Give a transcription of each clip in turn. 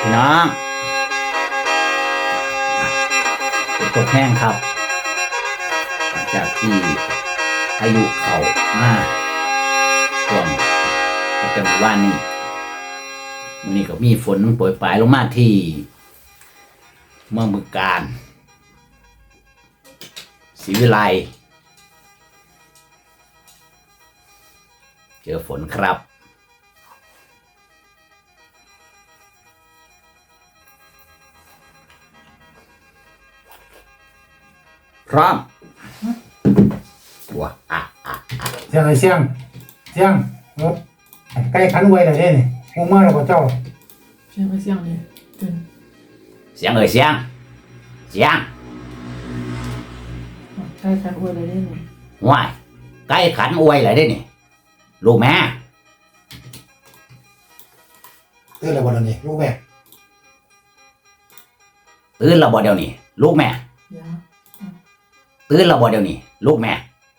พี่น้องฝนตกแห้งครับหลังจากที่พายุเข้ามาช่วงประจำวันนี้วันนี้ก็มีฝนโปรยปลายลงมาที่เมืองบึงกาฬศรีวิไลเจอฝนครับพร้อมว้าเสียงอะไรเสียงใกล้ขันไว้เลยเนี่ยงูมาแล้วก็เจ้าเสียงอะไรเสียงเนี่ยตื่นเสียงเอ่ยเสียงใกล้ขันอวยเลยได้เนี่ยว้ายใกล้ขันอวยเลยได้นี่ลูกแม่ตื่นแล้วบ่เดี๋ยวนี้ลูกแม่ตื่นแล้วบ่เดี๋ยวนี้ลูกแม่ยาตื่นแล้วบ่เดี๋ยวนี้ลูกแม่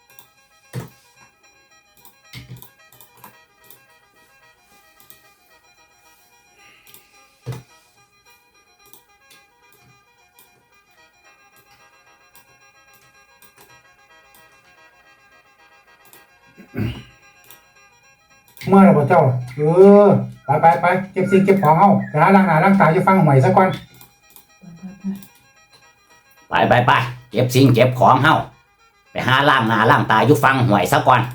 เมื่อแล้วก็เจ้าไปเก็บสิ่งเก็บของเอาไปหาล้างหน้าล้างตาอยู่ฟังหวยซะก่อนไปเก็บสิ่งเก็บของเฮาไปหาล้างหน้าล้างตาอยู่ฟังหวยซะก่อน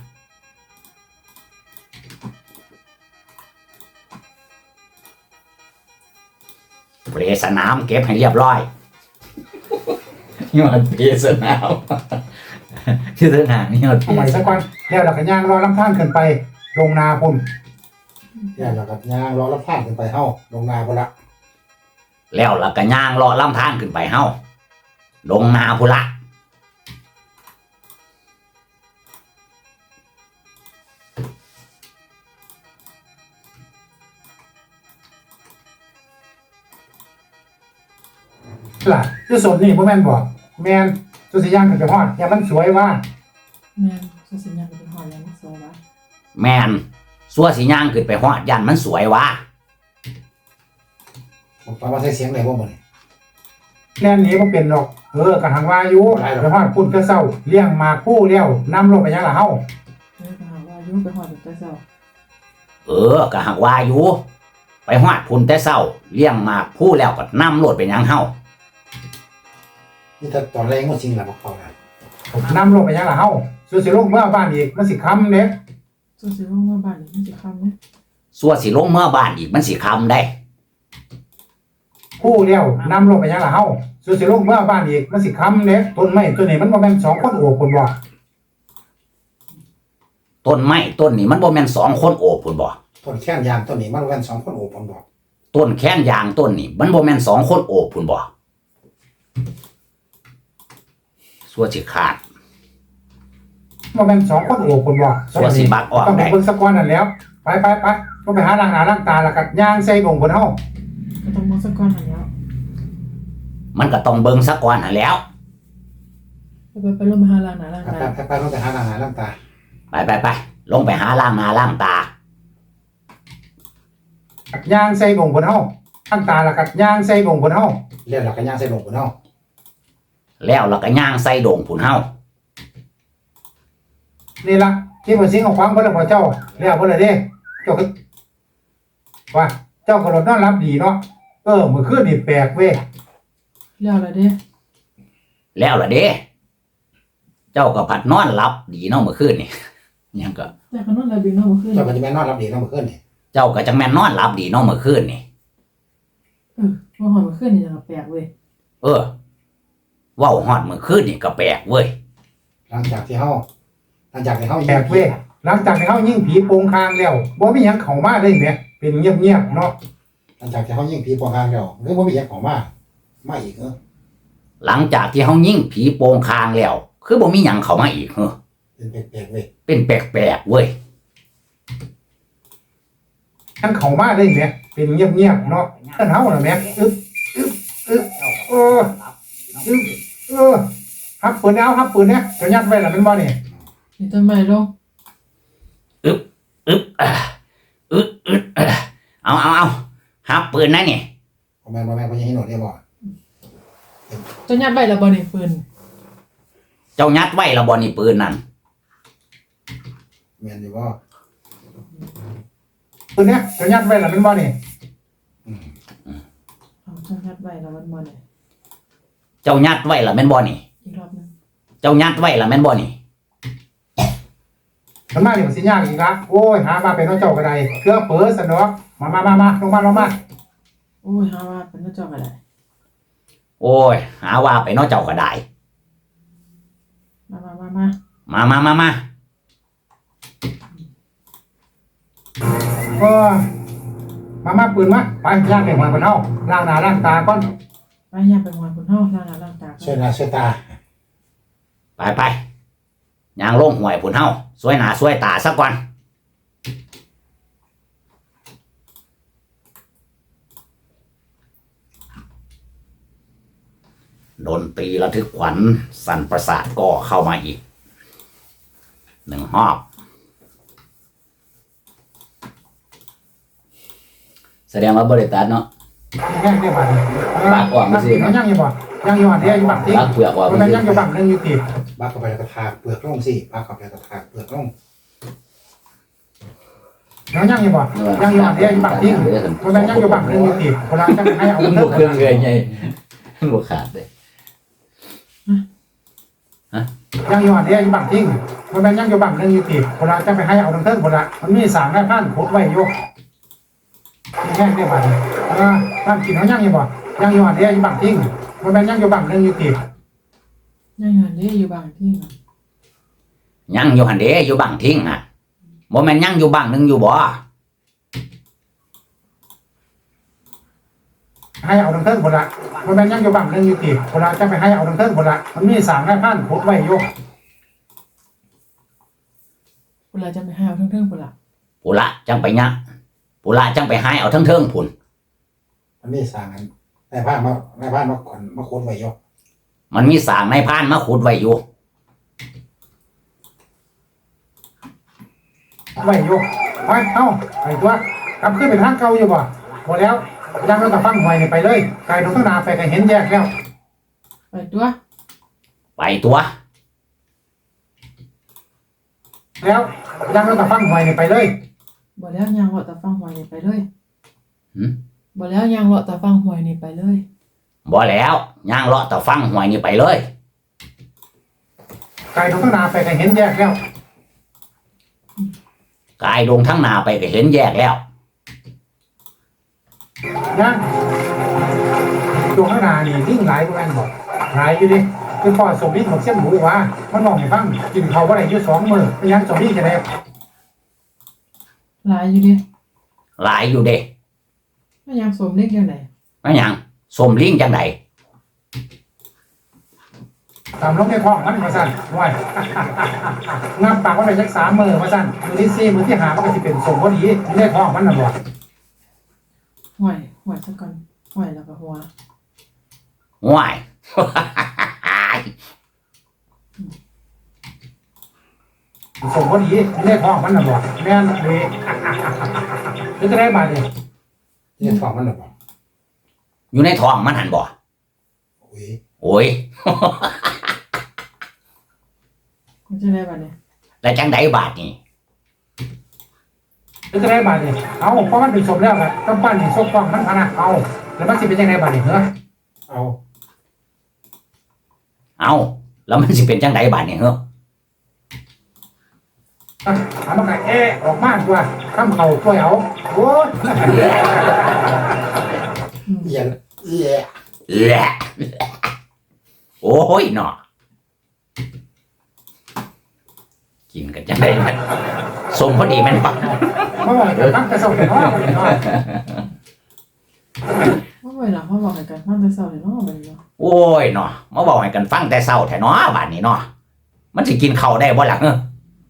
เปรสนามเก็บให้เรียบร้อยยอดเปรสนามชื่อสนามนี่ยอดเปรเอาใหม่ซะก่อนแล้วเราก็ย่างรอลำทางขึ้นไปลงนาพุ่นแล้วเราก็ย่างรอลำทางขึ้นไปเฮาลงนาพุ่นละแล้วล่ะก็ย่างเลาะลำทางขึ้นไปเฮาลงนาพุ่นละล่ะที่สดนี่บ่แม่นบ่แม่นสุสิย่างขึ้นไปฮอดอย่ามันสวยว่าแม่สุสิญญาเป็นหอยยังสวยวะแม่นสัวสิย่างขึ้นไปฮอดยันมันสวยวะผมปาว่าใช้เสียงได้บ่มื้อนี้แน่นนี้บ่เป็นดอกก็หังว่าอยู่ไปฮอดพุ่นเพื่อเศร้าเลี้ยงหมากผู้แล้วนำลงไปยังล่ะเฮาไปหาว่ายุ่งไปหอยแต่เช้าก็หักว่าอยู่ไปฮอดพุ่นแต่เช้าเลี้ยงหมากผู้แล้วก็นำรถไปยังเฮานี่ถ้าตอนแรงมันจริงล่ะบ่เข้าได้นำลงไปยังล่ะเฮาสิลงเมื่อบ้านอีกมันสิค่ำเด้สุสิลงมาบ้านนี่มันจะคำเนี่ยสัวสิลงเมื่อบ้านอีกมันสิค่ำได้ผู้เดียวนำลงไปยังล่ะเฮาสิลงเมื่อบ้านอีกมันสิค่ำเด้ต้นไม้ต้นนี้มันบ่แม่น2คนโอบพุ่นบ่ต้นไม้ต้นนี้มันบ่แม่น2คนโอบพุ่นบ่ต้นแค้นยางต้นนี้มันบ่แม่น2คนโอบพุ่นบ่ต้นแค้นยางต้นนี้มันบ่แม่น2คนโอบพุ่นบ่สัวสิขาดบ่แม่น2คนโอบพุ่นบ่สัวสิบักออกต้องไปได้เบิ่งสักก่อนนั่นแล้วไปต้องไปหาล้างหน้าล้างตาแล้วก็ย่างใส่ดงพุ่นเฮาก็ต้องมองสักก้อนหันแล้วมันก็ต้องเบิ่งซะก่อนหั่นแหล้วไปลงมาหาล้างหน้าล้างตาไปต้องไปหาล้างหน้าล้างตาไปลงไปหาล้างหน้าล้างตาย่างใส่ดงพุ่นเฮาล้างตาแล้วก็ย่างใส่ดงพุ่นเฮาแล้วเราก็ย่างใส่ดงพุ่นเฮาแล้วเราก็ย่างใส่โด่งพุ่นเฮานี่ล่ะที่บ่สิงเอาความบ่แล้วบ่เจ้าแล้วบ่ล่ะเด้เจ้าก็ว่าเจ้าก็นอนหลับดีเนาะมื้อคืนนี่แปลกเว้ยแล้วอะไรเด้แล้วล่ะเด้เจ้าก็ผัดนอนหลับดีเนาะเมื่อคืนนี่ยังก็แต่ก็นอนหลับดีเนาะเมื่อคืนเจ้าก็จะแม่นนอนหลับดีเนาะเมื่อคืนนี่เจ้าก็จังแม่นนอนหลับดีเนาะเมื่อคืนนี่เมื่อคืนนี่จะแปลกเว้ยเว้าฮอดเมื่อคืนนี่ก็แปลกเว้ยหลังจากที่เฮาแปลกเว้ยหลังจากที่เฮายิงผีโปงคางแล้วบ่มีหยังเข้ามาเลยแหมเป็นเงียบๆเนาะหลังจากที่เฮายิงผีโปงคางแล้วบ่มีหยังเข้ามาอีกหลังจากที่เฮายิงผีโปงคางแล้วคือบ่มีหยังเข้ามาอีกเป็นแปลกๆเว้ยเป็นแปลกๆเว้ยยังเข้ามาเลยแหมเป็นเงียบๆเนาะเอิ้นเฮาน่ะแหมฮับปืนเนี่ยจะยัดไว้ล่ะมันบ่นี่นี่ต้นไม้ลงเอาฮับปืนนะนี่บ่แม่นบ่ยังให้หนวดได้บ่เจ้ายัดไว้แล้วบ่นี่ปืนเจ้ายัดไว้และบ่นี่ปืนนั่นแม่นอยู่บ่ปืนเนี้ยจะยัดไว้ล่ะเป็นบ่นี่เอาเจ้ายัดไว้แล้วมันบ่นี่เจ้ายัดไว้และแม่นบ่นี่อีกรอบนึงเจ้ายัดไว้และแม่นบ่นี่มันมานี่มันสิยากอีกละโอ้ยหามาเป็นเจ้าก็ได้เครื่องเปิดซะเนาะมาลงมาโอ้ยหาว่าเป็นเจ้าก็ได้โอ้ยหาว่าไปเนาะเจ้าก็ได้มามาก็มาปืนมาไปย่างไปหัวคนเฮาล้างหน้าล้างตาก่อนไปยามไปหวานคนเฮาล้างหน้าล้างตาช่วยหน้าช่วยตาไปย่างลงห่วยพุ่นเฮาสวยหน้าสวยตาซะก่อนดนตรีระทึกขวัญสั่นประสาทก็เข้ามาอีก1 รอบ แสดงว่าบริตัดเนาะแห้งได้บ่ปากออกมาสิมันย่างอยู่บ่ย่างอยู่อันเดียวอยู่บักที่ปากเปลือกออกมันย่างอยู่บักนึงอยู่ติบักเข้าไปแล้วก็ทาเปลือกลงสิบักเข้าไปแล้วก็ทาเปลือกลงย่างอยู่บ่ย่างอยู่อันเดียวอยู่บักที่มันย่างอยู่บักนึงอยู่ติเวลาจะให้เอามันเลิบกเครื่องเลยไงมันบขาดเลยย่างอยู่อันเดียวอยู่บักที่มันย่างอยู่บักนึงอยู่ติเวลาจะไปให้เอาเลิกหมดละมันมี3ได้พันโคตรไว้อยู่แห้งได้บ่ท่านกินเขาย่างอยู่บ่ย่างอยู่อันเดียวอยู่บักที่มันย่างอยู่บักนึงอยู่ติยังหันเด้อยู่บางที่น่ะยังอยู่หันเดอยู่บังทิ้งอ่ะบ่แม่นยังอยู่บังหนึงอยู่บ่ให้เอาเลิกหมดละมันย่างอยู่บักนึงอยู่ติเวลาจะไปให้เอาเลิกหมดละมันมี3ได้พันโคตรไว้อยู่เวลาจะไปหาเทิงๆพุ่นล่ะปุระจังไปยักปุระจังไปหายเอาทั้งเทิงพุ่นมันมี3อันได้ผ้ามาก่อนมาโคตรไว้อยู่มันมีสางในพานมาขุดไว้อยู่ไว้อยู่ไปเอ้าไปตัวกลับขึ้นเป็นทางเก่าอยู่บ่หมดแล้วยังเรากับฟังหวยนี่ไปเลยไกลตรงข้างหน้าไปก็เห็นแยกแล้วไปตัวไปตัวแล้วยังเรากับฟังหวยนี่ไปเลยบ่แล้วยางเลาะตะฟังหวยนี่ไปเลยหืมบ่แล้วยางเลาะตะฟังหวยนี่ไปเลยบ่แล้วย่างเลาะแต่ฟังหวยนี่ไปเลยไกลตรงข้างหน้าไปก็เห็นแยกแล้วกายลงทั้งหนาไปก็เห็นแยกแล้วยังตรงข้างหน้านี่ลิ่งหลายกว่ากันบ่หลายอยู่ดิคือพ่อสมบินบอกเสียมหมูว่ามันมองให้ฟังกินเขาบ่ได้อยู่2 มื้อไปยังสมบินจะได้หลายอยู่ดิหลายอยู่เด้มันยังสมเล็กจังได๋ว่าหยังสมลิงจังไดตามลงในท้องมันมาสั่นว้ายน้ำปากว่าได้จัก3 มื้อมาสั่นมื้อที่4มื้อที่5มันก็สิเป็นสมพอดีอยู่ในท้องมันน่ะบ่หวยซะก่อนหวยแล้วก็หัวว้ายสมพอดีเลขท้องมันน่ะบ่แม่นเลยจะได้บาทนี่เลขท้องมันน่ะบ่อยู่ในท้องมันหันบ่โอ้ยโอ้ยมันจะได้บัดนี้แล้วจังไดบาทนี่จะได้บาทนี่เอาเพราะมันเป็นสมแล้วครับต้องปั้นสิซกท้องมันพะนะเอาแล้วมันสิเป็นจังไดบาทนี่เหรอเอาเอาแล้วมันสิเป็นจังไดบาทนี่เหรอเอามาไงออกมาตัวคำเข่าช่วยเอาโอ้ยเอียนเอียแหละโอ้ยเนาะกินกันจังไดมันสมพอดีแม่นบ่เพราะว่าตั้งแต่สมัยน้อยว่าไว้ล่ะเขาบอกให้กันฟังแต่เช้าเลยเนาะบัดนี้เนาะโอ้ยเนาะมาบอกให้กันฟังแต่เช้าแท้เนาะบาดนี้เนาะมันสิกินข้าวได้บ่ล่ะเฮ้อ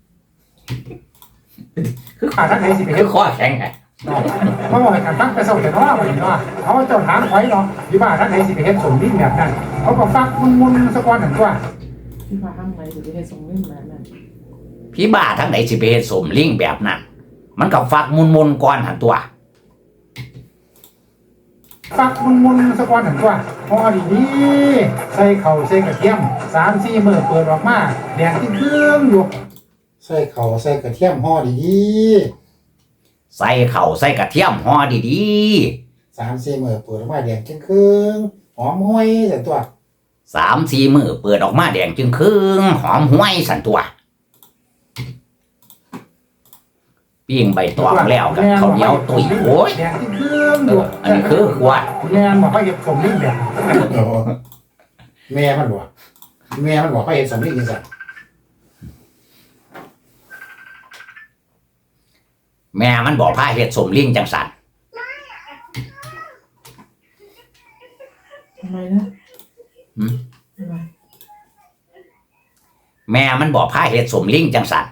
คือขาดทักไหนสิไปคืเฮ็อดคอแข็งไงเพราะว่าการตั้งแต่สมัยน้อยเนาะเขาเจ้าถามไว้เนาะที่บ้านทักไหนสิไปเฮ็ดสมดิ้นแบบนั้นเขาก็ฟักมุนๆสักวันหนึ่งตัวที่ว่าข้างในสิไปเฮ็ดส่งเล่นแบบนั้นพี่บ้าทั้งไหนสิไปเฮ็ดสมลิงแบบนั้นมันก็ฟักมุนๆก่อนหันตัวฟักมุนๆสักวันหนึ่งตัวพอดีๆใส่เข่าใส่กระเทียม3-4มื้อเปิดออกมาแดงที่เครื่องอยู่ใส่เข่าใส่กระเทียมห่อดีๆใส่เข่าใส่กระเทียมห่อดี 3-4มื้อเปิดออกมาแดงครึ่งหอมห้วยสันตัวๆ3-4 มื้อเปิดออกมาแดงจึงครึ่งหอมห้วยสันตัวปิ้งใบตองแล้วกับข้าวเหนียวตุ๋ยโอ้ยแดงครึ่งอยู่อันนี้คือขวดแม่บอกว่าเห็ดสมลิ้นแบบแม่มันบอกว่าเห็ดสมลิ้นจังซั่นแม่มันบอกพาเฮ็ดสมลิงจังสันทำไมนะทำไมแม่มันบอกพาเฮ็ดสมลิงจังสัน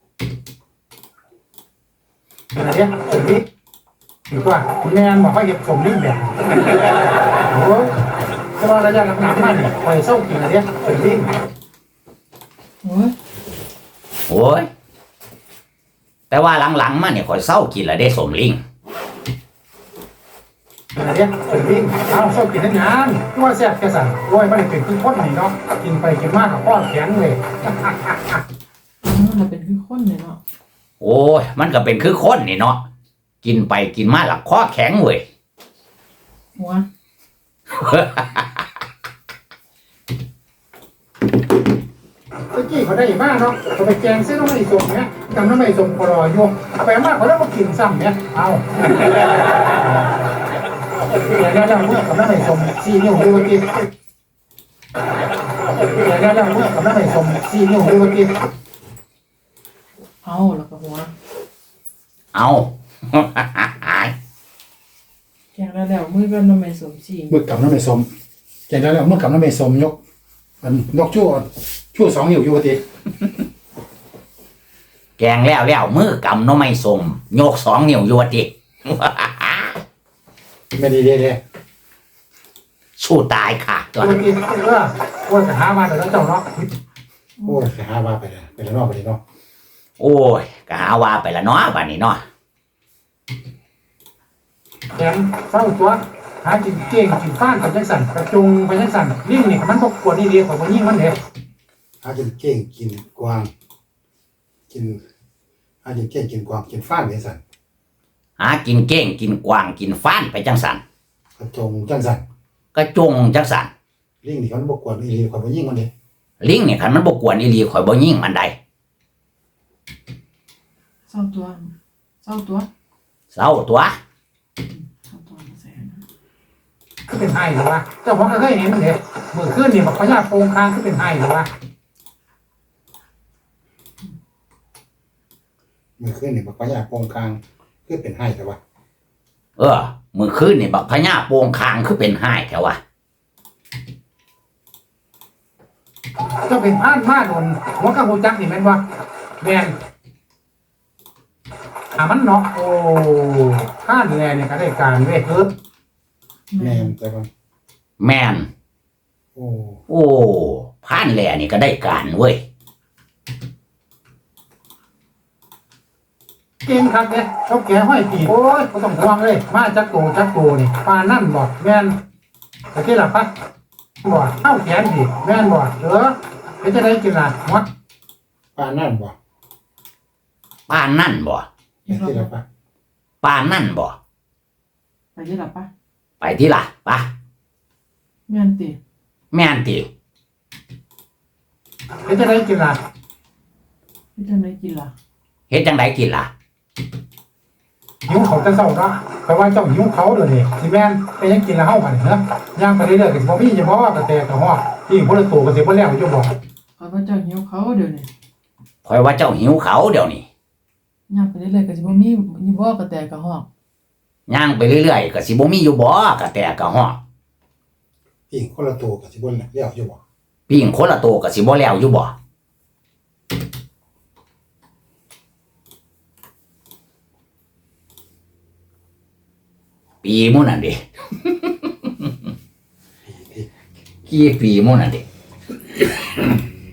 อะไรเนี่ยสมลิ้นถือว่าแม่บอกว่าเห็ดสมลิ้นแบบโอ้ยแต่ว่าระยะหลังๆมาเนี่ยปล่อยเศร้ากินอะไรเนี่ยสมลิ้นโอ้ยโอ้ยแต่ว่าหลังๆมาเนี่ยข่อยเศร้ากินแล้วได้สมลิงอะไรเนี่ยสมลิ้นเอาเศร้ากินได้งานตัวแซ่บแค่สั่นโอ้ยไม่ได้เป็นคือคนนี่เนาะกินไปกินมากกับพ่อแข็งเลยมันเป็นคือคนเนี่ยเนาะโอ้ยมันก็เป็นคือคนนี่เนาะกินไปกินมาหลักคอแข็งเว้ยหัวตะกี้เขาได้มากเนาะเขาไปแกงเส้นน้ำมันสมเนี่ยจำน้ำมันสมพอรอยงเอาไปมากเขาได้มากินซ้ำเนี่ยเอาเดี๋ยวเราเมื่อกับน้ำมันสม4 นิ้วดูเมื่อกี้เดี๋ยวเราเมื่อกับน้ำมันสม4 นิ้วดูเมื่อกี้เอาแล้วก็หัวเอาแกงแล้วมือก็น้ำมันสมจีนมือกับน้ำมันสมแกงแล้วเมื่อกับน้ำมันสมยกมันยกชั่ว2 นิ้วอยู่เมื่อกี้แกงแล้วมือกำหน้อไม่สมโยก2 นิ้วอยู่ว่าติไม่ดีเลยสู้ตายค่ะตัวเมื่อกี้โอ้ยหามาแต่แล้วเจ้าเนาะโอ้ยหามาไปเลยไปแล้วเนาะไปเลยเนาะโอ้ยก็หาว่าไปละเนาะบัดนี้เนาะแถมเศร้าตัวหากินเก่งกินฟ้านไปจังสันกระจุงไปจังสันลิงนี่มันบกกวนนี่ดีกว่าคนยิ่งมันเด้หากินเก่งกินกวางกินหากินเก่งกินกวางกินฟ้านไปจังสันหากินเก้งกินกวางกินฟ้านไปจังสันกระจงจังสันก็จงจังสันลิงนี่มันบกกวนนี่ดีกว่าคนยิ่งมันเด้ลิงเนี่ยคันมันบ่กวนอีหลีข่อยบ่ยิงมันได้เศร้าตัวเศร้าตัวเศร้าตัวเศร้าตัวมาใส่นะก็เป็นไห้หรือวะเจ้าของก็เคยเห็นมันเด้เมื่อคืนนี่มันพญาโปงคางก็เป็นไห้หรือวะเมื่อคืนนี่มันพญาโปงคางก็เป็นไห้หรือวะมื้อคืนนี่บักพญาโปงคางคือเป็นห้ายแท้วะเจ้าเป็นพานมาโดนหัวกระหูจักนี่แม่นวะแม่นมันเนาะโอ้พานแลเนี่ยก็ได้การเว้ยแม่นแต่ว่าแม่นโอ้โอ้ผ่านแลนี่ก็ได้การเว้ยเก่งครับเนี่ยเขาแก่ห้อยปีโอ้ยเขาต้องห่วงเลยมาจักโตนี่ปานั่นบอกแม่นตะกี้ล่ะปะบอกเข้าแขนดิแม่นบอกเป็นจะได้กินล่ะมัดปานั่นบอกป้านนั่นบ่ตะกี้ล่ะปะป้านนั่นบ่ไปยี่หลับปะไปที่ล่ะปะแม่นติแม่นติเป็นจะได้กินล่ะพี่จะไม่กินล่ะเฮ็ดจังไดกินล่ะหิวเขาจะเศร้าเนาะเพราะว่าเจ้าหิวเขาเดี๋ยวนี้สิแม่นเป็นยังกินแล้วเฮาบัดนี้เนาะย่างไปเรื่อยๆก็สิบ่มีเฉพาะว่ากระแตกระหอกที่บ่ได้โตก็สิบ่แล้วอยู่บอกเขาก็เจ้าหิวเขาเดี๋ยวนี้ข่อยว่าเจ้าหิวเขาเดี๋ยวนี้ย่างไปเรื่อยๆก็สิบ่มีบ่กระแตกระหอกย่างไปเรื่อยๆก็สิบ่มีอยู่บ่กะแต่กะฮอกพี่คนละโตก็สิบ่แล้วอยู่บอกปิ้งคนละโตก็สิบ่แล้วอยู่บ่ปีหมู่นั่นดิ กี่ปีหมู่นั่นดิ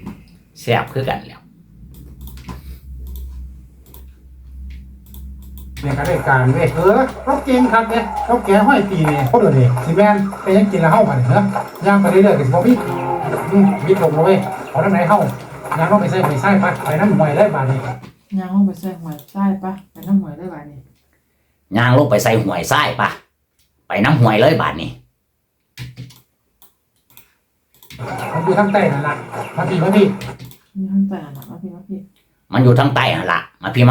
แซ่บคือกันแล้วในการได้การเว้ยเราเก่งครับเนี่ยเราแก่ห้อยปีเนี่ยเขาเดือดเนี่ยสิแม่นไปยังกินแล้วเฮาบัดเนี่ยย่างไปเรื่อยๆก็สิบ่มีมิดลงเลยเอาทางไหนเฮาย่างต้องไปใส่ไปใส่ไปน้ำหวยได้บาดนี้ย่างลงไปใส่หวยใต้ปะไปน้ำหวยได้บาดนี้ย่างลงไปใส่หวยไส้ปะไปน้ำหวยเลยบาดนี้มันอยู่ทางใต้นั่นล่ะมาพี่มีท่านแต่หนักมาพี่มันอยู่ทางใต้หั่นละมาพี่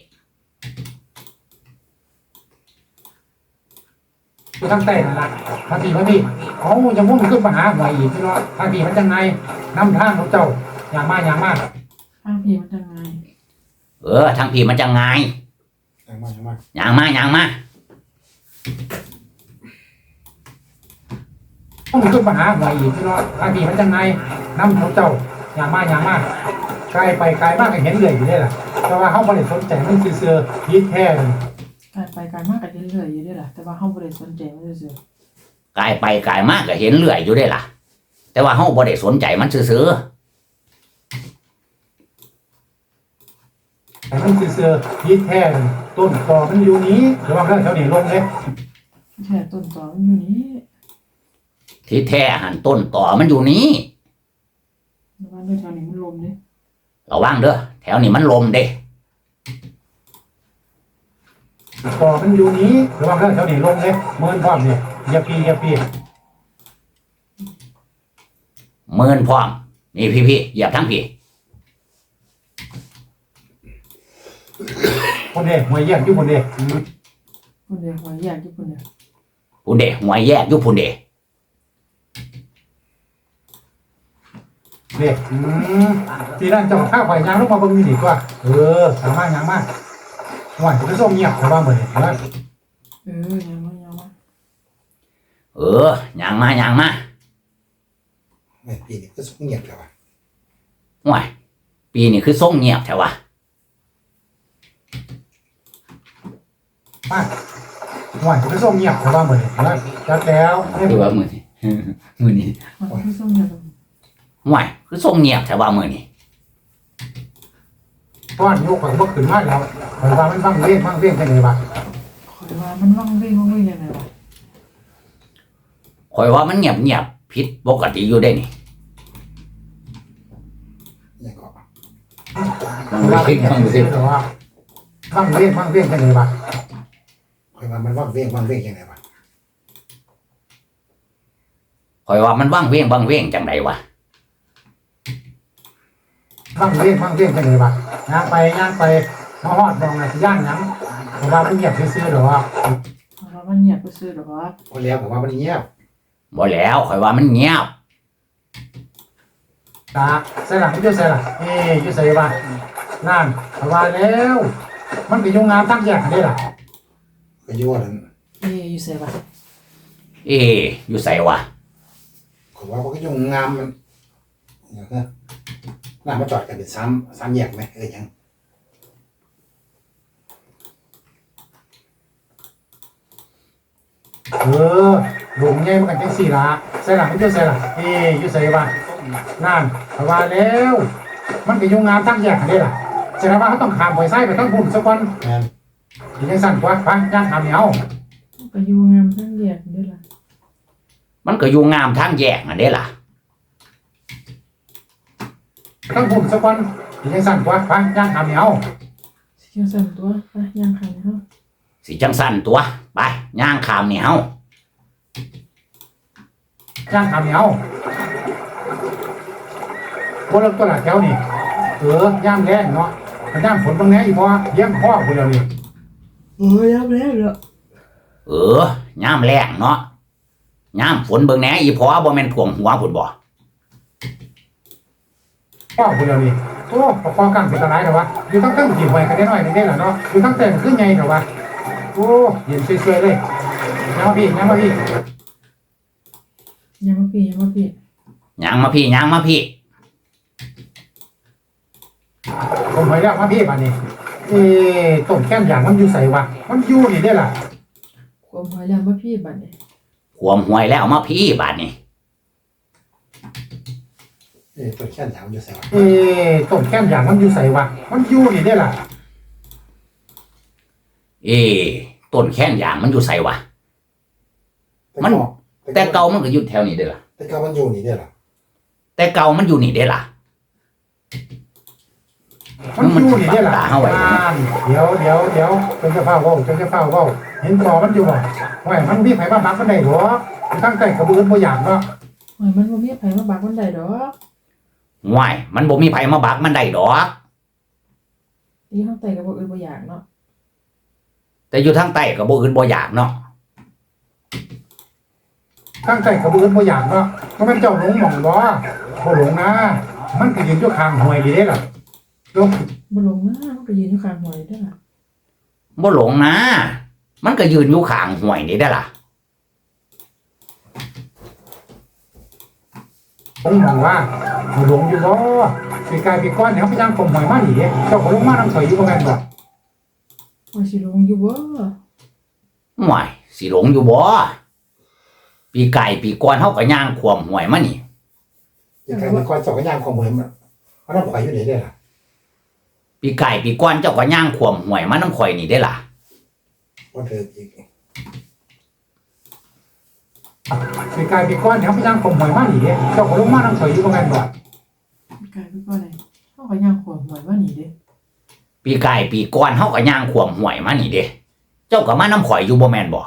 อยู่ทางใต้นั่นล่ะมาพี่เอาจะมุ่งขึ้นมาหาหวยอีกพี่น้องทางพี่มันจังไงนำทางของเจ้าอย่างมากข้างพี่มันจะไงทางพี่มันจะไงย่างมามุ่งขึ้นมาหาหวยอีกพี่น้องทางพี่มันจังไงนำของเจ้าอย่างมากไกลไปไกลมากก็เห็นเลยอยู่ได้ล่ะแต่ว่าเฮาบ่ได้สนใจมันคือเสือพีแท้เลยการไปการมากกันเรื่อยๆอยู่ด้วยล่ะแต่ว่าเขาบริสนใจไม่ได้เสือกายไปกายมากก็เห็นเลื่อยอยู่ได้ล่ะ แต่ว่าเฮาบ่ได้สนใจมันซื่อแต่มันคือเสือพีแท้เลยต้นตอมันอยู่นี้หรือว่าแถวนี้ลงเลยแค่ต้นตอมันอยู่นี้ๆที่แท้หันต้นต่อมันอยู่นี้แล้วว่าด้วยแถวนี้มันลมเนี่ยระวังเด้อแถวนี้มันลมเด้ตอมันอยู่นี้หรือว่าแถวนี้ลงเลยเมินพร้อมนี่อย่าปีเมินพร้อมนี่พี่เหยียบทั้งพี่คนเด้หวยแยกอยู่คนเด้คนเดียวหวยแยกที่คนเดียวพุ่นเด้หวยแยกอยู่พุ่นเด้เด้ทีนั้นเจ้าข้าวไข่ยางลงมาเบิ่งนี่ดีกว่าสามารถยางมากหวานจะส่งเงียบแต่ว่าเหมือนนะยังไม่ย่างมาไม่ปีนี้ก็ส่งเงียบแล้วว่ะห่วยปีนี้คือส่งเงียบแท้วะมาหวานจะส่งเงียบแต่ว่าเหมือนนะจัดแล้วให้คือว่ามื้อนี้ มื้อนี้มันที่ส้มเนี่ยห่วยคือส่งเงียบแท้ว่ามื้อนี้ก้อนยกไปก็ขึ้นมาแล้วหมายว่ามันฟังเรียงกันเลยว่ะคอยว่ามันว่างเว้งยังไงวะข่อยว่ามันเงียบผิดปกติอยู่ได้นี่อย่างก็ฟังสิแต่ว่าฟังเรียงกันเลยว่ะหมายว่ามันฟังเรียงยังไงวะข่อยว่ามันว่างเว้งจังไดวะฟังเรียงกันเลยว่ะย่างไปมาฮอดมองอะไรย่างยังแต่ว่ามันเงียบซื่อๆหรอวะเพราะมันเงียบไปซื้อหรอวะคนเลี้ยงผมว่ามันเงียบบ่แล้วข่อยว่ามันเงียบตาใส่หลังไม่ใช่ใส่หลังอยู่ใส่บ้านนั่นแต่ว่าแล้ว มันก็ยุ่งงานตั้งแยกกันได้ล่ะก็ยุ่งนั่นอยู่เสียบะอยู่ไสวะผมว่ามันก็ยุ่งงานมันอย่างเงี้ยน่ามาจอดกันเป็นซ้ำแยกไหมยังหลงไงมันกันจังสี่ละใส่หลังไม่ใช่ใส่หลังอยู่ใส่บ้านนั่นแต่ว่าแล้ว มันก็ยุ่งงานตั้งแยกกันได้ล่ะแสดงว่าเขาต้องขามไปไส้ไปตั้งบุญสักวันยังสั่นกว่าไปย่างขามเหนียวไปอยู่งามทั้งเดียดด้วยล่ะมันก็อยู่งามทางแยกนั่นเด้ล่ะตั้งบุญสักวันยังสั่นกว่าไปย่างขามเหนียวเสียงสั่นตัวไปย่างขันเขาสิจังสั่นตัวไปย่างขามนี่เฮาย่างขามเหนียวพวกเราตัวหลักแถวนี่ย่างแรงเนาะย่างฝนบางแน่อีกพอเยี่ยมพ่อพวกเรานี่ย่างแล้วเหรย่ามแรงเนาะย่ามฝนเบิ่งแหน่อีพอบ่แม่นท่วมหัวพุ่นบ่พ่อพวกเรานี่โอ้พอกันเป็นตะไลเหรอวะอยู่ทั้งตั้งกี่ไว้กันได้หน่อยได้เหรอเนาะอยู่ทั้งแต่งขึ้นไงเหรอวะโอ้เย็นเฉยๆเลยยังมาพี่ยังมาพี่ย่างมาพี่ผมไปแล้วมาพี่บ้านนี้ต้มแก้มอย่างมันอยู่ใส่วะมันอยู่นี่ได้ล่ะความพยายามว่าพี่บัดเนี่ยขวมหวยแล้วมาพี่บาดนี้ต้มแก้มอย่างมันอยู่ใส่วะต้มแก้มอย่างมันอยู่ใส่วะมันอยู่นี่ได้ล่ะเอ๊ะต้นแข้งยางมันอยู่ไสวะ มัน แต่เก่ามันก็อยู่แถวนี้เด้อล่ะแต่เก่ามันอยู่นี่เด้อล่ะแต่เก่ามันอยู่นี่เด้อล่ะมันอยู่นี่เด้อล่ะตาเฮาไว้เดี๋ยวจนจะเฝ้าเว้าเห็นต่อมันอยู่บ่ว่ามันมีไผมาบักมันได้หรอตั้งใจกระบือบ่อยากเนาะโอ้ยมันบ่มีไผมาบักมันได้ดอกว้ายมันบ่มีไผมาบักมันได้ดอกตีข้างใต้ก็บ่อื่นบ่อยากเนาะแต่อยู่ทางใต้ก็บ่อื่นบ่อยากเนาะตั้งใจกระบือบ่อยากเนาะก็มันเจ้าหลงหม่องบ่หลงนะมันก็ยืนอยู่ข้างห้วยนี่เด้ล่ะลงบ่ลงนะมันก็ยืนอยู่ข้างหัวนี่เด้อล่ะบ่หลงนะ มันก็ยืนอยู่ข้างห้วยนี่เด้อล่ะผมมองว่าหลงอยู่บ่สิกลายเป็นก้อนเนี่ยเขาพยายามข่มหอยมาหนีเจ้าก็ลงมาน้ำสอยอยู่บ่แม่นบ่ว่าสิลงอยู่บ่ว้ายสิหลงอยู่บ่ปีไก่ปีก่อนเฮาก็ย่างขวมห้วยมานี่สิกลายเป็นก้อนเจ้าก็ย่างข่มหอยมาเอาน้ำข่อยอยู่นี่เด้ล่ะปีไก่ปีก่อนเจ้าก็ย่างขวมห้วยมาน้ำข่อยนี่เด้อล่ะบ่เถิดอีกสิกลายเป็นก้อนเนี่ยเขาพยายามข่มหอยมาหนีเจ้าก็ลงมาน้ำสอยอยู่บ่แม่นบ่กลายเป็นว่าอะไรเฮาก็ย่างขวมหวยว่านี่เด้ปีไก่ปีก่อนเฮาก็ย่างขวมห้วยมานี่เด้เจ้าก็มาน้ำข่อยอยู่บ่แม่นบ่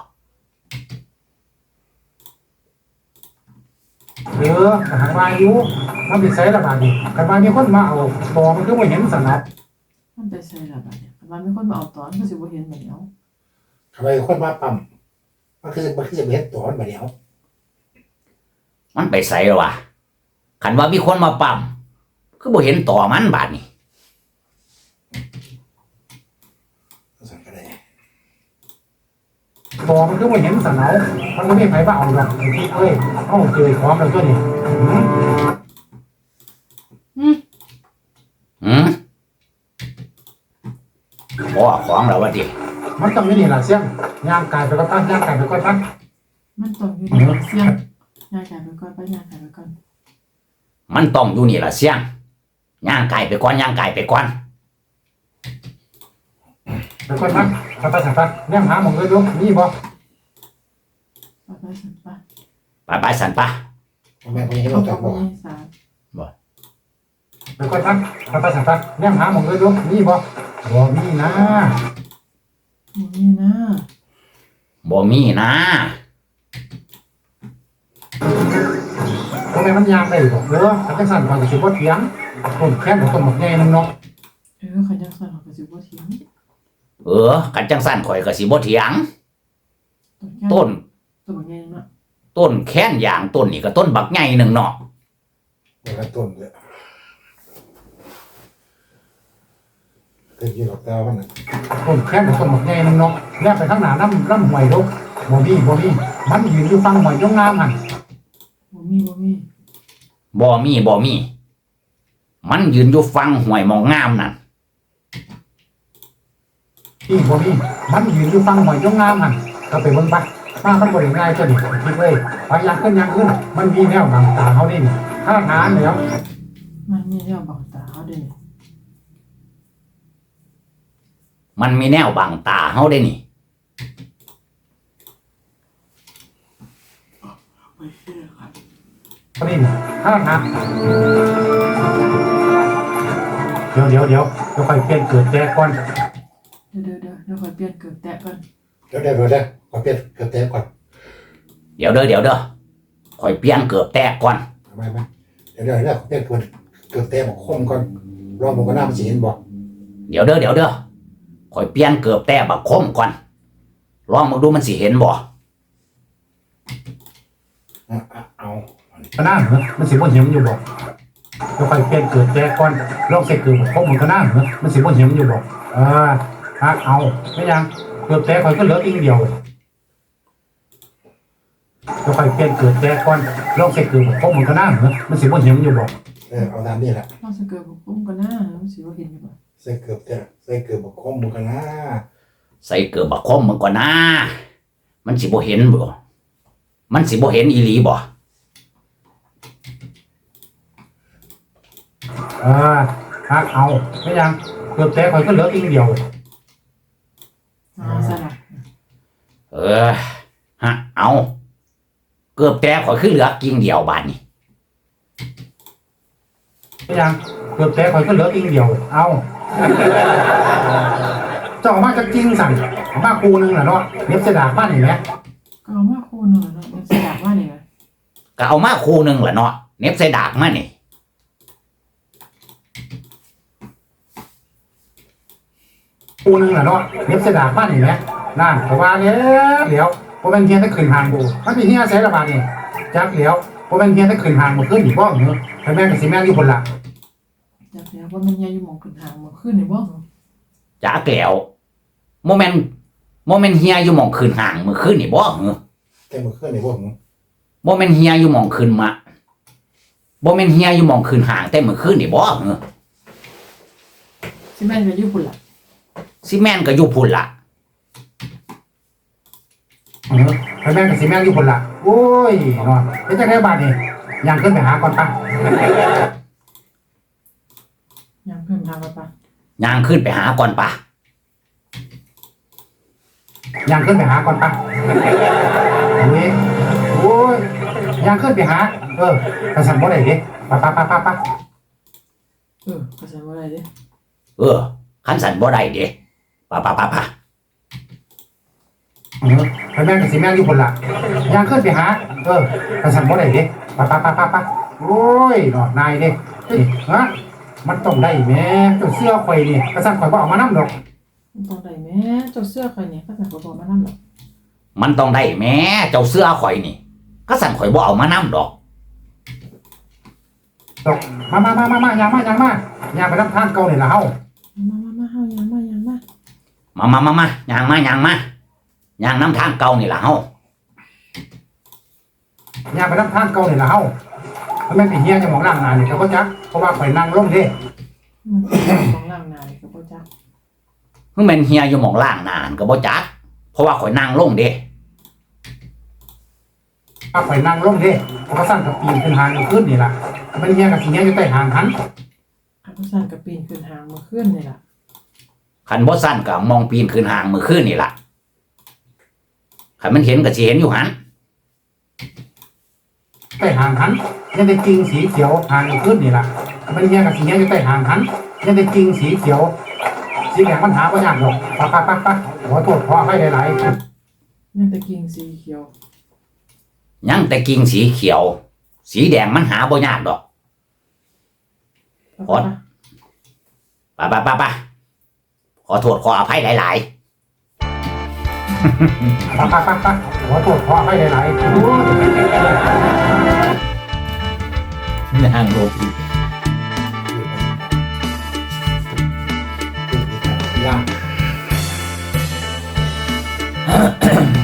หามาอยู่มันไปใส่ละบาดนี่คันว่ามีคนมาเอาตอมันคือบ่เห็นสนับมันไปใส่ละบัดเนี่ยคันว่ามีคนมาเอาตอนก็สิบ่เห็นบัดเนาะคันว่ามีคนมาปั๊มมันคือจะบ่เห็นตอนบัดเดียวมันไปไสแล้ววะคันว่ามีคนมาปั๊มคือบ่เห็นต่อมันบาดนี้สั่นก็ได้ตอมันคือบ่เห็นสนับมันบ่มีไผมาเอาดอกไอ้ที่เอ้ยเฮาเจอของแล้วตัวนี้บ่ของแล้ววะดิมันต้องมีนี่ล่ะเสียงย่างกายไปก็ตั้งย่างกายไปก็ตั้งมันต้องอยู่ในเสียงย่างกายไปก่อนไปย่างกายไปก่อนมันต้องอยู่นี่ล่ะเสียงย่างไก่ไปก่อนย่างไก่ไปก่อนไปก็ตั้งสัตว์ย่างหาหมองเลยลูกนี่บ่ไปสันปะไปสันปะแม่บ่เห็นเขาเราก็จักบ่บ่ให้สาไปก็ตั้งสัตว์ย่างหาหมองเลยลูกนี่บ่บ่มีนะบ่มีนะบ่มีนะบ่แม่มันย่างได้บ่เด้อถ้าจังซั่นมันก็สิบ่เถียงต้นแค้นกับต้นหมกใหญ่นึงเนาะคันจังซั่นเขาก็สิบ่เถียงกันจังสั่นข่อยก็สิบ่เถียงต้นต้นต้นใหญ่เนาะต้นแค้นยางต้นนี่ก็ต้นบักใหญ่หนึ่งเนาะเวลาต้นเลยเกิดอยู่กับแต่ว่ามันต้นแค้นกับต้นหมกใหญ่นึงเนาะแล้วไปข้างหน้าน้ำห้วยลูกบ่มีมันยืนอยู่ฟังห้วยยงงามหั่นบ่มีบ่มีมันยืนอยู่ฟังห้วยหมองงามนั่นนี่บ่มีมันยืนอยู่ฟังห้วยยงงามหั่นก็ไปเบิ่งปะมามันบ่ได้ง่ายตัวนี้คิดเลยไปอย่างขึ้นมันมีแนวบังตาเฮานี่ถ้าทานแล้วมันมีแนวบังตาเฮาเด้มันมีแนวบังตาเฮาได้นี่นี่ถ้าทานเดี๋ยวค่อยเปลี่ยนเกิดแจก่อนเดี๋ยวค่อยเปลี่ยนเกิดแตะก่อนเดี๋ยวขอเปลี่ยนเกิดแจก่อนเดี๋ยวข่อยเปลี่ยนเกือบแตกก่อนไม่เดี๋ยวขอเปลี่ยนเกิดแจบอกคมก่อนรอมันก็น่ามันสิเห็นบ่เดี๋ยวข่อยเปลี่ยนเกือบแตกบักคมก่อนลองมาดูมันสิเห็นบ่เอาก็น่าเหรอมันสิบ่เห็นอยู่บ่แล้วค่อยเปลี่ยนเกิดแจก่อนลองใส่เกิดบอกคมมันก็น่าเหรอมันสิบ่เห็นอยู่บ่เอาไม่ยังเกิดแจค่อยก็เหลืออีกเดียวแล้วค่อยเปลี่ยนเกิดแจก่อนลองใส่เกิดบอกคมมันก็น่าเหรอมันสิบ่เห็นอยู่บ่เอาตามนี้แหละเราสิเกิดบ่คุ้มกันนะมันสิบ่เห็นอยู่บ่ใส่เกือบบอกคมมันก็น่าใส่เกือบบักคมมันก่อนนะมันสิบ่เห็นบ่มันสิบ่เห็นอีหลีบ่เอาไม่ยังเกือบแตกข่อยก็เหลืออีกเดียวใส่เออฮะเอาเกือบแต่ข่อยคือเหลือกิ่งเดียวบาดนี้ยังเกือบแต่ข่อยก็เหลือกิ่งเดียวเอาเจ้าออกมาจากจริงสั่งเอามาคูนึงแหละเนาะเน็บเสดากบ้านนี่แหละก็เอามาคูณหน่อยเนาะมันสยากว่านี่ไงก็เอามาคู่หนึงแหละเนาะเน็บใส่ดากมานี่คูนึงแหละเนาะเน็บเสดากบ้านนี่แหละนั่นเพราะว่าเดี๋ยวพอเป็นเฮียถ้าขึ้นหางบูมันเป็นเฮียใส่ระบาดนี่จักเดี๋ยวพอเป็นเฮียถ้าขึ้นหางมาขึ้นอีกบ้องเนอะแต่แม่กับสิแม่อยู่คนละอยากแล้วว่ามันยายอยู่หมองขึ้นหางมาขึ้นนี่บ่จ้าแก้วโมเมนต์เฮียอยู่หม่องคืนห่างมื้อคืนนี่บ่เหรอแกมือขึ้นในบ้องโมเมนต์เฮียอยู่หม่องคืนมาบ่แม่นเฮียอยู่หม่องคืนห่างแต่มื้อคืนนี่บ่เหรอสิแม่นก็อยู่พุ่นล่ะสิแม่นก็อยู่พุ่นล่ะแต่แม่กับสิแม่อยู่คนละโอ้ยเนาะเป็นจังได๋บาดนี่ยังขึ้นไปหาก่อนปะยังเพิ่มทางไปปะย่างขึ้นไปหาก่อนป่ะยังขึ้นไปหาก่อนปะนี่โอ้ยยังขึ้นไปหา กระสันบ่ได้เด้ปะก็ใส่บ่ได้เด้คันสั่นบ่ได้เด้ป่ะไปแม่กับสิแม่อยู่คนละยังขึ้นไปหากระสันบ่ได้เด้ปะโอ้ยเนาะนายเด้ฮะมันต้องได้แม่เจ้าเสื้อข่อยนี่กระสันข่อยบ่เอามานำดอกมันต้องได้แม่เจ้าเสื้อข่อยนี่ก็ใส่บ่บอกมานำหรอกมันต้องได้แหม่เจ้าเสื้อข่อยนี่ก็สั่นข่อยบ่เอามานำดอกดอกมายังไปนำทางเก่านี่ล่ะเฮามาเฮายังมาย่างน้ำทางเก่านี่ล่ะเฮายังไปนำทางเก่านี่ล่ะเฮาแม่นไปเฮียจะมองล่างหน้านี่ก็บ่จักเพราะว่าข่อยนั่งลงเด้มันของล่างนานี่ก็บ่จักคือแม่นเฮียอยู่หม่องล่างนานก็บ่จักเพราะว่าข่อยนั่งลงเด้ถ้าข่อยนั่งลงเด้เพราะว่าสั่นกับปีนขึ้นหางขึ้นนี่ล่ะมันเฮียกับสิเฮียอยู่ใต้หางหันอันก็สั่นก็ปีนขึ้นหางมาขึ้นนี่ล่ะคันบ่สั่นก็มองปีนขึ้นหางมื้อคืนนี่ล่ะคันมันเห็นก็สิเห็นอยู่หันใต้หางหันยังได้กิ่งสีเขียวหางขึ้นนี่ล่ะมันเฮียกับสิเฮียอยู่ใต้หางหันยังได้กิ่งสีเขียวสีแดงมันหาบ่ยากดอกปะขอโทษขออภัยหลายๆยังแต่กิ่งสีเขียวยังแต่กิ่งสีเขียว สีแดงมันหาบ่ยากดอกปะไปขอโทษขออภัยหลายปะขอโทษขออภัยหลายๆๆนางโลกีย่าง